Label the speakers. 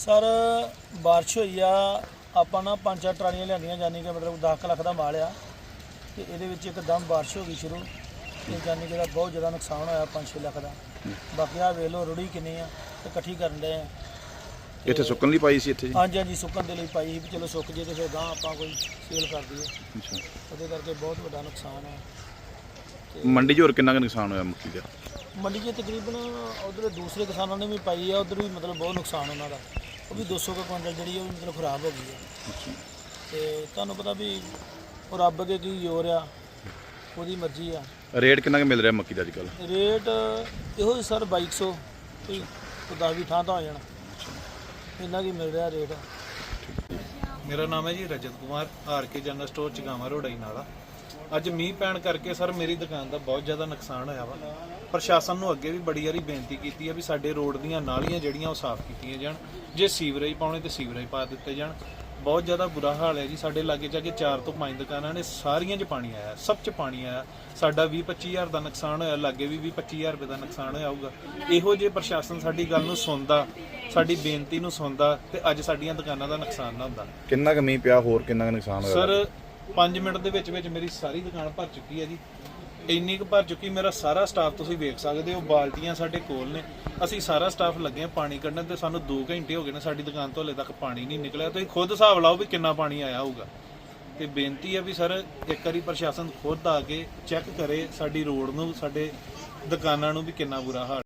Speaker 1: Sir बारिश हुई आ ਆਪਾਂ ਨਾ 5-4 ਟਰਾਲੀਆਂ ਲਿਆਂਦੀਆਂ ਜਾਨੀ ਕਿ ਮਤਲਬ 10 ਲੱਖ ਦਾ ਮਾਲ ਆ ਤੇ ਇਹਦੇ ਵਿੱਚ ਇੱਕਦਮ ਬਾਰਿਸ਼ ਹੋ ਗਈ ਸ਼ੁਰੂ ਤੇ ਜਾਨੀ ਕਿ ਬਹੁਤ ਜ਼ਿਆਦਾ ਨੁਕਸਾਨ ਹੋਇਆ 5-6 ਲੱਖ ਦਾ। ਬਾਕੀ ਆ ਵੇਖ ਲਓ ਰੁੜੀ ਕਿੰਨੀ ਆ ਤੇ ਇਕੱਠੀ ਕਰਨ ਦੇ ਆ।
Speaker 2: ਇੱਥੇ ਸੁੱਕਣ ਲਈ ਪਾਈ ਸੀ ਇੱਥੇ ਜੀ?
Speaker 1: ਹਾਂਜੀ ਹਾਂਜੀ ਸੁੱਕਣ ਦੇ ਲਈ ਪਾਈ ਸੀ ਵੀ ਚਲੋ ਸੁੱਕ ਜੇ ਤੇ ਫਿਰ ਗਾਂ ਆਪਾਂ ਕੋਈ ਸੇਲ ਕਰ ਦਈਏ।
Speaker 2: ਅੱਛਾ,
Speaker 1: ਉਹਦੇ ਕਰਕੇ ਬਹੁਤ ਵੱਡਾ ਨੁਕਸਾਨ ਹੈ।
Speaker 2: ਮੰਡੀ 'ਚ ਹੋਰ ਕਿੰਨਾ ਕੁ ਨੁਕਸਾਨ ਹੋਇਆ ਮੱਕੀ ਦਾ?
Speaker 1: ਮੰਡੀ 'ਚ ਤਕਰੀਬਨ ਉਧਰ ਦੂਸਰੇ ਕਿਸਾਨਾਂ ਨੇ ਵੀ ਪਾਈ ਆ, ਉਧਰ ਵੀ ਮਤਲਬ ਬਹੁਤ ਨੁਕਸਾਨ ਉਹਨਾਂ ਦਾ। ਉਹ ਵੀ 200 ਕੁਇੰਟਲ ਜਿਹੜੀ ਉਹ ਮਤਲਬ ਖਰਾਬ ਹੋ ਗਈ ਹੈ। ਤੇ ਤੁਹਾਨੂੰ ਪਤਾ ਵੀ ਉਹ ਰੱਬ ਅੱਗੇ ਕੀ ਜ਼ੋਰ ਆ, ਉਹਦੀ ਮਰਜ਼ੀ ਆ।
Speaker 2: ਰੇਟ ਕਿੰਨਾ ਕੁ ਮਿਲ ਰਿਹਾ ਮੱਕੀ ਦਾ ਅੱਜ ਕੱਲ੍ਹ?
Speaker 1: ਰੇਟ ਇਹੋ ਹੀ ਸਰ 2200 ਕੋਈ 10-20 ਥਾਂ ਤਾਂ ਹੋ ਜਾਣਾ, ਇੰਨਾ ਕੀ ਮਿਲ ਰਿਹਾ ਰੇਟ।
Speaker 3: ਮੇਰਾ ਨਾਮ ਹੈ ਜੀ Rajat Kumar, R K general store ਚਗਾਵਾਂ ਰੋਡਾਈ ਨਾਲਾ। ਅੱਜ ਮੀਂਹ ਪੈਣ ਕਰਕੇ ਸਰ ਮੇਰੀ ਦੁਕਾਨ ਦਾ ਬਹੁਤ ਜ਼ਿਆਦਾ ਨੁਕਸਾਨ ਹੋਇਆ ਵਾ। ਪ੍ਰਸ਼ਾਸਨ ਨੂੰ ਅੱਗੇ ਵੀ ਬੜੀ ਵਾਰੀ ਬੇਨਤੀ ਕੀਤੀ ਹੈ ਵੀ ਸਾਡੇ ਰੋਡ ਦੀਆਂ ਨਾਲੀਆਂ ਜਿਹੜੀਆਂ ਉਹ ਸਾਫ਼ ਕੀਤੀਆਂ ਜਾਣ, ਜੇ ਸੀਵਰੇਜ ਪਾਉਣੇ ਤੇ ਸੀਵਰੇਜ ਪਾ ਦਿੱਤੇ ਜਾਣ। ਬਹੁਤ ਜ਼ਿਆਦਾ ਬੁਰਾ ਹਾਲ ਹੈ ਜੀ। ਸਾਡੇ ਲਾਗੇ ਜਾ ਕੇ 4 ਤੋਂ 5 ਦੁਕਾਨਾਂ ਨੇ, ਸਾਰੀਆਂ 'ਚ ਪਾਣੀ ਆਇਆ, ਸਭ 'ਚ ਪਾਣੀ ਆਇਆ। ਸਾਡਾ 20-25 ਹਜ਼ਾਰ ਦਾ ਨੁਕਸਾਨ ਹੋਇਆ, ਲਾਗੇ ਵੀ 20-25 ਹਜ਼ਾਰ ਰੁਪਏ ਦਾ ਨੁਕਸਾਨ ਹੋਇਆ ਹੋਊਗਾ। ਇਹੋ ਜਿਹੇ ਪ੍ਰਸ਼ਾਸਨ ਸਾਡੀ ਗੱਲ ਨੂੰ ਸੁਣਦਾ, ਸਾਡੀ ਬੇਨਤੀ ਨੂੰ ਸੁਣਦਾ ਤੇ ਅੱਜ ਸਾਡੀਆਂ ਦੁਕਾਨਾਂ ਦਾ ਨੁਕਸਾਨ ਨਾ ਹੁੰਦਾ।
Speaker 2: ਕਿੰਨਾ ਕੁ ਮੀਂਹ ਪਿਆ, ਹੋਰ ਕਿੰਨਾ ਕੁ ਨੁਕਸਾਨ ਹੋਇਆ?
Speaker 3: ਸਰ 5 ਮਿੰਟ ਦੇ ਵਿੱਚ ਮੇਰੀ ਸਾਰੀ ਦੁਕਾਨ ਭਰ ਚੁੱਕੀ ਹੈ ਜੀ। ਇੰਨੀ ਕੁ ਭਰ ਚੁੱਕੀ, ਮੇਰਾ ਸਾਰਾ ਸਟਾਫ ਤੁਸੀਂ ਵੇਖ ਸਕਦੇ ਹੋ, ਬਾਲਟੀਆਂ ਸਾਡੇ ਕੋਲ ਨੇ। ਅਸੀਂ ਸਾਰਾ ਸਟਾਫ ਲੱਗੇ ਆ ਪਾਣੀ ਕੱਢਣ ਤੇ ਸਾਨੂੰ 2 ਘੰਟੇ ਹੋ ਗਏ ਨੇ ਸਾਡੀ ਦੁਕਾਨ ਤੋਂ ਹਲੇ ਤੱਕ ਪਾਣੀ ਨਹੀਂ ਨਿਕਲਿਆ। ਤੁਸੀਂ ਖੁਦ ਹਿਸਾਬ ਲਾਓ ਵੀ ਕਿੰਨਾ ਪਾਣੀ ਆਇਆ ਹੋਊਗਾ। ਤੇ ਬੇਨਤੀ ਹੈ ਵੀ ਸਰ ਇੱਕ ਵਾਰੀ ਪ੍ਰਸ਼ਾਸਨ ਖੁਦ ਆ ਕੇ ਚੈੱਕ ਕਰੇ ਸਾਡੀ ਰੋਡ ਨੂੰ, ਸਾਡੇ ਦੁਕਾਨਾਂ ਨੂੰ ਵੀ ਕਿੰਨਾ ਬੁਰਾ ਹਾਲ।